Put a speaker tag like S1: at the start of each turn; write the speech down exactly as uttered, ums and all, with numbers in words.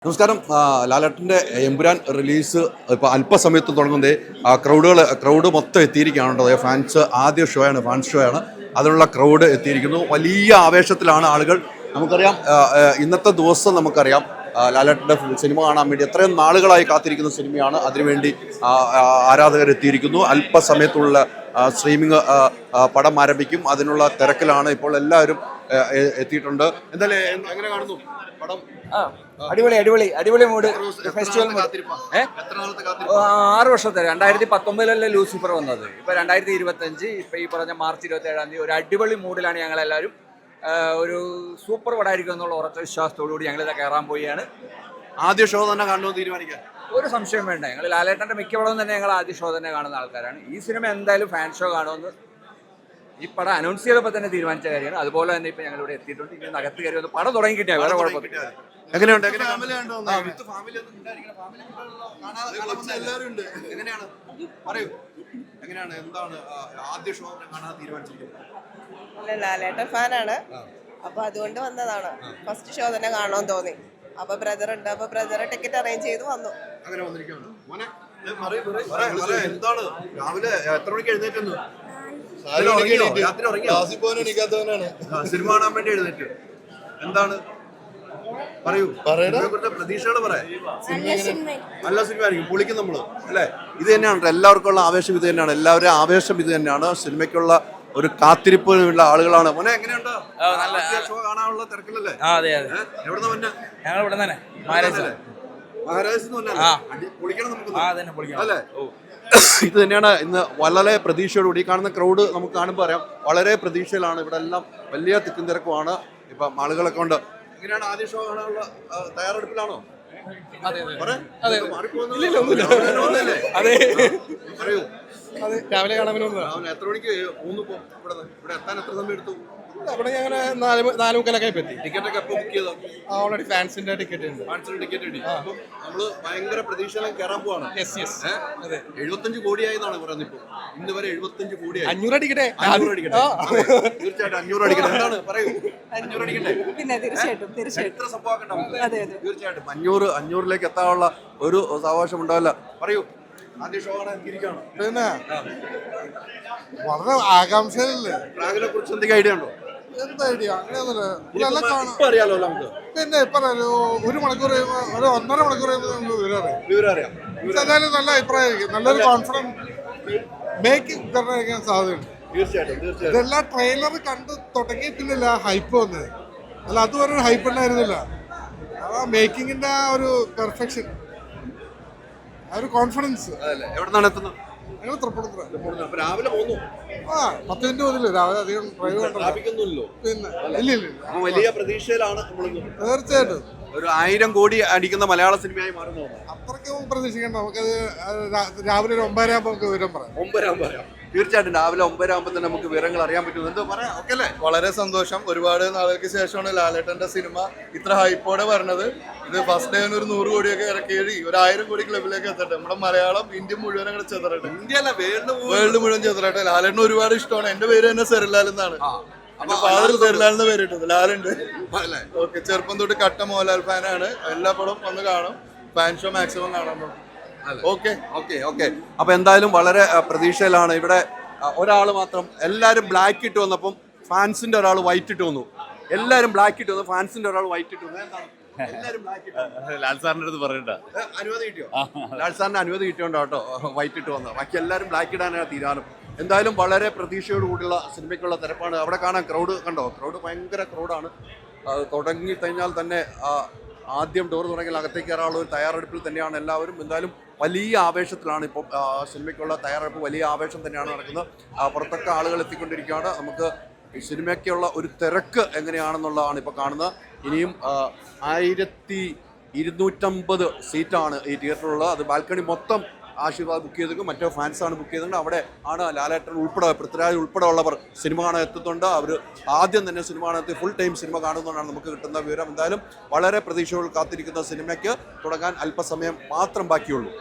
S1: നമസ്കാരം. ലാലേട്ടൻ്റെ എമ്പുരാൻ റിലീസ് ഇപ്പോൾ അല്പസമയത്ത് തുടങ്ങുന്നത് ആ ക്രൗഡുകൾ ക്രൗഡ് മൊത്തം എത്തിയിരിക്കുകയാണ്. ഫാൻസ് ആദ്യ ഷോ ആണ്, ഫാൻസ് ഷോ ആണ്. അതിനുള്ള ക്രൗഡ് എത്തിയിരിക്കുന്നു. വലിയ ആവേശത്തിലാണ് ആളുകൾ. നമുക്കറിയാം, ഇന്നത്തെ ദിവസം നമുക്കറിയാം ലാലേട്ടൻ്റെ സിനിമ കാണാൻ വേണ്ടി എത്രയും നാളുകളായി കാത്തിരിക്കുന്ന സിനിമയാണ്. അതിനുവേണ്ടി ആരാധകർ എത്തിയിരിക്കുന്നു. അല്പസമയത്തുള്ള സ്ട്രീമിംഗ് പടം ആരംഭിക്കും. അതിനുള്ള തിരക്കിലാണ് ഇപ്പോൾ എല്ലാവരും എത്തിയിട്ടുണ്ട്. എന്തായാലും എങ്ങനെ കാണുന്നു പടം?
S2: അടിപൊളി അടിപൊളി അടിപൊളി മൂഡ്. ഫെസ്റ്റിവൽ ആറ് വർഷത്തെ രണ്ടായിരത്തി പത്തൊമ്പതിലല്ലേ ലൂസിഫർ വന്നത്. ഇപ്പൊ രണ്ടായിരത്തി ഇരുപത്തി അഞ്ച് ഇപ്പൊ ഈ പറഞ്ഞ മാർച്ച് ഇരുപത്തി ഏഴാം തീയതി ഒരു അടിപൊളി മൂഡിലാണ് ഞങ്ങൾ എല്ലാവരും. ഒരു സൂപ്പർ പടമായിരിക്കും എന്നുള്ള ഉറച്ച വിശ്വാസത്തോടു കൂടി ഞങ്ങൾ ഇത് കയറാൻ പോവുകയാണ്.
S1: ആദ്യ ഷോ തന്നെ കാണണമെന്ന് തീരുമാനിക്കാൻ
S2: ഒരു സംശയം വേണ്ട. ഞങ്ങൾ ലാലേട്ടൻ്റെ മിക്ക പടവും തന്നെ ഞങ്ങൾ ആദ്യ ഷോ തന്നെ കാണുന്ന ആൾക്കാരാണ്. ഈ സിനിമ എന്തായാലും ഫാൻ ഷോ കാണുമെന്ന് ഈ പടം അനൗൺസ് ചെയ്തപ്പോൾ തന്നെ തീരുമാനിച്ച കാര്യമാണ്. അതുപോലെ തന്നെ ഇപ്പൊ ഞങ്ങൾ ഇവിടെ എത്തിയിട്ടുണ്ട്. ഇനി അകത്ത് കയറി വന്ന് പടം തുടങ്ങി കിട്ടിയാൽ വേറെ കുഴപ്പമില്ല.
S1: എങ്ങനെയുണ്ട്? എങ്ങനെയാണ്, എന്താണ് ആദ്യ ഷോ കാണാൻ തീരുമാനിച്ചിരിക്കുന്നത്?
S3: ലാലേട്ടൻ ഫാനാണ്, അപ്പൊ അതുകൊണ്ട് വന്നതാണ്. ഫസ്റ്റ് ഷോ തന്നെ കാണണമെന്ന് തോന്നി. അപ്പൊ ബ്രദർ ഉണ്ട്, അപ്പൊ ബ്രദർ ടിക്കറ്റ് അറേഞ്ച് ചെയ്ത് വന്നു.
S1: അങ്ങനെ വന്നിരിക്കുകയാണ്. എന്താണ് രാവിലെ എത്ര മണിക്ക് എഴുന്നേറ്റെന്ന്? സിനിമ കാണാൻ വേണ്ടി എഴുന്നേറ്റ്. എന്താണ് പറയൂ, പ്രതീക്ഷകൾ പറയാം. നല്ല സിനിമ ആയിരിക്കും, പൊളിക്കും നമ്മള് അല്ലേ? ഇത് തന്നെയാണ് എല്ലാവർക്കും ഉള്ള ആവേശം. ഇത് തന്നെയാണ് എല്ലാവരുടെയും ആവേശം. ഇത് തന്നെയാണ് സിനിമയ്ക്കുള്ള ഒരു കാത്തിരിപ്പുള്ള ആളുകളാണ്. മോനെ എങ്ങനെയുണ്ട്? ഷോ കാണാനുള്ള തിരക്കിലല്ലേ? എവിടെ തന്നെ? മഹാരാജ് പൊളിക്കണം നമുക്ക് അല്ലേ? ഇത് തന്നെയാണ് ഇന്ന് വളരെ പ്രതീക്ഷയോടുകൂടി കാണുന്ന ക്രൗഡ്. നമുക്ക് കാണുമ്പോൾ അറിയാം വളരെ പ്രതീക്ഷയിലാണ്. ഇവിടെ എല്ലാം വലിയ തിക്കും തിരക്കുമാണ്. ഇപ്പം ആളുകളൊക്കെ ഉണ്ട്. എങ്ങനെയാണ് ആദ്യ ഷോ കാണാനുള്ള തയ്യാറെടുപ്പിലാണോ?
S4: രാവിലെ കാണാൻ
S1: എത്ര മണിക്ക് മൂന്ന് ഇവിടെ എത്താൻ എത്ര സമയം എടുത്തു?
S4: അവിടെ ഞങ്ങൾ നാല് നാല് മുക്കാലൊക്കെ എത്തി.
S1: ടിക്കറ്റ് ഒക്കെ എപ്പോൾ ബുക്ക് ചെയ്തോ?
S4: ഓൾറെഡി ഫാൻസിന്റെ ടിക്കറ്റ് ഉണ്ട്.
S1: ഫാൻസിന്റെ ടിക്കറ്റ് ഉണ്ട്. അപ്പം നമ്മള് ഭയങ്കര പ്രതീക്ഷയിലും കയറാൻ പോവാണ്.
S4: അതെ,
S1: എഴുപത്തഞ്ച് കോടിയായി എന്നാണ് പറയുന്നത്. ഇപ്പൊ ഇന്ന് വരെ എഴുപത്തഞ്ച് കോടിയായി.
S4: അഞ്ഞൂറ് അടിക്കട്ടെ,
S1: അഞ്ഞൂറ് അടിക്കട്ടെ. തീർച്ചയായിട്ടും അഞ്ഞൂറ് അടിക്കട്ടെ. എന്താണ് പറയൂ, അഞ്ഞൂറ് അടിക്കട്ടെ?
S3: പിന്നെ തീർച്ചയായിട്ടും തീർച്ചയായിട്ടും
S1: എത്ര സംഭവം തീർച്ചയായിട്ടും അഞ്ഞൂറ് അഞ്ഞൂറിലേക്ക് എത്താനുള്ള ഒരു സാവകാശം ഉണ്ടാവില്ല. പറയൂ, ആദ്യ ഷോ കാണാൻ ഇരിക്കുകയാണ്.
S4: പിന്നെ വളരെ ആകാംക്ഷയില്ലേ?
S1: പ്രാഗിനെ കുറിച്ച് എന്തെങ്കിലും ഐഡിയ ഉണ്ടോ?
S4: എന്താ ഐഡിയ? അങ്ങനെയൊന്നുമില്ല.
S1: അറിയാലോ നമുക്ക്.
S4: പിന്നെ ഇപ്പൊ ഒരു മണിക്കൂർ കഴിയുമ്പോ ഒരു ഒന്നര മണിക്കൂർ കഴിയുമ്പോൾ നമുക്ക് വിവരം
S1: വിവരം അറിയാം.
S4: എന്തായാലും നല്ല അഭിപ്രായമായിരിക്കും. നല്ലൊരു കോൺഫിഡൻസ് മേക്കിംഗ് തന്നെയായിരിക്കാൻ സാധ്യതയുണ്ട്.
S1: തീർച്ചയായിട്ടും തീർച്ചയായിട്ടും
S4: ഇതെല്ലാം ട്രെയിലർ കണ്ട് തുടങ്ങി പിന്നില്ല ഹൈപ്പ് വന്നത്. അല്ല, അതുവരെ ഒരു ഹൈപ്പ് ഉണ്ടായിരുന്നില്ല. ആ മേക്കിങ്ങിന്റെ ആ ഒരു പെർഫെക്ഷൻ, ആ ഒരു കോൺഫിഡൻസ്.
S1: എവിടെ നിന്നാണ് എത്തുന്നത്?
S4: ഞങ്ങൾ തൃപ്പൂണിത്തുറ.
S1: രാവിലെ പോന്നു.
S4: ആ പത്ത് മിനിറ്റ് പോലില്ല രാവിലെ. അധികം ഡ്രൈവ്
S1: ട്രാഫിക്കൊന്നുമില്ലോ.
S4: പിന്നെ ഇല്ല ഇല്ല
S1: വലിയ പ്രതീക്ഷയിലാണ് നമ്മൾ.
S4: തീർച്ചയായിട്ടും
S1: ഒരു ആയിരം കോടി അടിക്കുന്ന മലയാള സിനിമയായി മാറുന്നു.
S4: അത്രയ്ക്ക് പ്രതീക്ഷിക്കേണ്ട. നമുക്കത് രാവിലെ ഒരു ഒമ്പതര ആകുമ്പോൾ നമുക്ക് വിവരം പറയാം.
S1: ഒമ്പതര പറയാം. തീർച്ചയായിട്ടും രാവിലെ ഒമ്പതര ആകുമ്പോൾ തന്നെ നമുക്ക് വിവരങ്ങൾ അറിയാൻ പറ്റും. എന്തോ പറയാം. ഓക്കെ അല്ലേ?
S5: വളരെ സന്തോഷം. ഒരുപാട് നാളുകൾക്ക് ശേഷമാണ് ലാലേട്ടന്റെ സിനിമ ഇത്ര ഹൈപ്പോടെ പറഞ്ഞത്. ഇത് ഫസ്റ്റ് ഡേ ഒരു നൂറ് കോടിയൊക്കെ ഇറക്കി ഒരു ആയിരം കോടി ക്ലബിലേക്ക് എത്തട്ടെ. നമ്മുടെ മലയാളം ഇന്ത്യ മുഴുവൻ അങ്ങനെ ചെതറട്ടെ.
S1: ഇന്ത്യ അല്ല,
S5: വേൾഡ് മുഴുവൻ ചെതറട്ടെ. ലാലേട്ടന് ഒരുപാട് ഇഷ്ടമാണ്. എന്റെ പേര് തന്നെ സെറിലാൽ എന്നാണ്. എന്റെ ഫാദർ സെറിലാൽ എന്ന് പേരിട്ടത്. ലാലുണ്ട്. ഓക്കെ, ചെറുപ്പം തൊട്ട് കട്ട മോഹൻലാൽ ഫാനാണ്. എല്ലാ പടവും വന്ന് കാണും. ഫാൻ ഷോ മാക്സിമം കാണാൻ.
S1: ഓക്കെ ഓക്കെ ഓക്കെ അപ്പൊ എന്തായാലും വളരെ പ്രതീക്ഷയിലാണ്. ഇവിടെ ഒരാൾ മാത്രം, എല്ലാവരും ബ്ലാക്ക് ഇട്ട് വന്നപ്പം ഫാൻസിന്റെ ഒരാൾ വൈറ്റ് ഇട്ട് വന്നു. എല്ലാവരും ബ്ലാക്ക് ഇട്ട് വന്നു, ഫാൻസിന്റെ ഒരാൾ വൈറ്റ് ഇട്ട് വന്നു.
S6: ലാൽ സാറിന്റെ അടുത്ത് പറയണ്ട.
S1: അനുമതി കിട്ടിയോ? ലാൽ സാറിന്റെ അനുമതി കിട്ടിയോണ്ടോ കേട്ടോ വൈറ്റ് ഇട്ട് വന്നത്. ബാക്കി എല്ലാവരും ബ്ലാക്ക് ഇടാനാണ് തീരുമാനം. എന്തായാലും വളരെ പ്രതീക്ഷയോട് കൂടിയുള്ള സിനിമയ്ക്കുള്ള തിരപ്പാണ്. അവിടെ കാണാൻ ക്രൗഡ് കണ്ടോ? ക്രൗഡ് ഭയങ്കര ക്രൗഡാണ്. തുടങ്ങി കഴിഞ്ഞാൽ തന്നെ ആദ്യം ഡോർ തുടങ്ങിയാൽ അകത്തേക്ക് കയറാനുള്ള ഒരു തയ്യാറെടുപ്പിൽ തന്നെയാണ് എല്ലാവരും. എന്തായാലും വലിയ ആവേശത്തിലാണ് ഇപ്പോൾ സിനിമയ്ക്കുള്ള തയ്യാറെടുപ്പ്. വലിയ ആവേശം തന്നെയാണ് നടക്കുന്നത്. പുറത്തൊക്കെ ആളുകൾ എത്തിക്കൊണ്ടിരിക്കുകയാണ്. നമുക്ക് ഈ സിനിമയ്ക്കുള്ള ഒരു തിരക്ക് എങ്ങനെയാണെന്നുള്ളതാണ് ഇപ്പോൾ കാണുന്നത്. ഇനിയും ആയിരത്തി ഇരുന്നൂറ്റമ്പത് സീറ്റാണ് ഈ തിയേറ്ററിലുള്ളത്. അത് ബാൽക്കണി മൊത്തം ആശീർവാദ് ബുക്ക് ചെയ്തിരിക്കും. മറ്റേ ഫാൻസാണ് ബുക്ക് ചെയ്തിട്ടുണ്ട്. അവിടെ ആണ് ലാലേട്ടൻ ഉൾപ്പെടെ, പൃഥ്വിരാജ് ഉൾപ്പെടെ ഉള്ളവർ സിനിമ കാണാൻ എത്തുന്നുണ്ട്. അവർ ആദ്യം തന്നെ സിനിമ കാണാൻ ഫുൾ ടൈം സിനിമ കാണുന്നതാണ് നമുക്ക് കിട്ടുന്ന വിവരം. എന്തായാലും വളരെ പ്രതീക്ഷകൾ കാത്തിരിക്കുന്ന സിനിമയ്ക്ക് തുടങ്ങാൻ അല്പസമയം മാത്രം ബാക്കിയുള്ളൂ.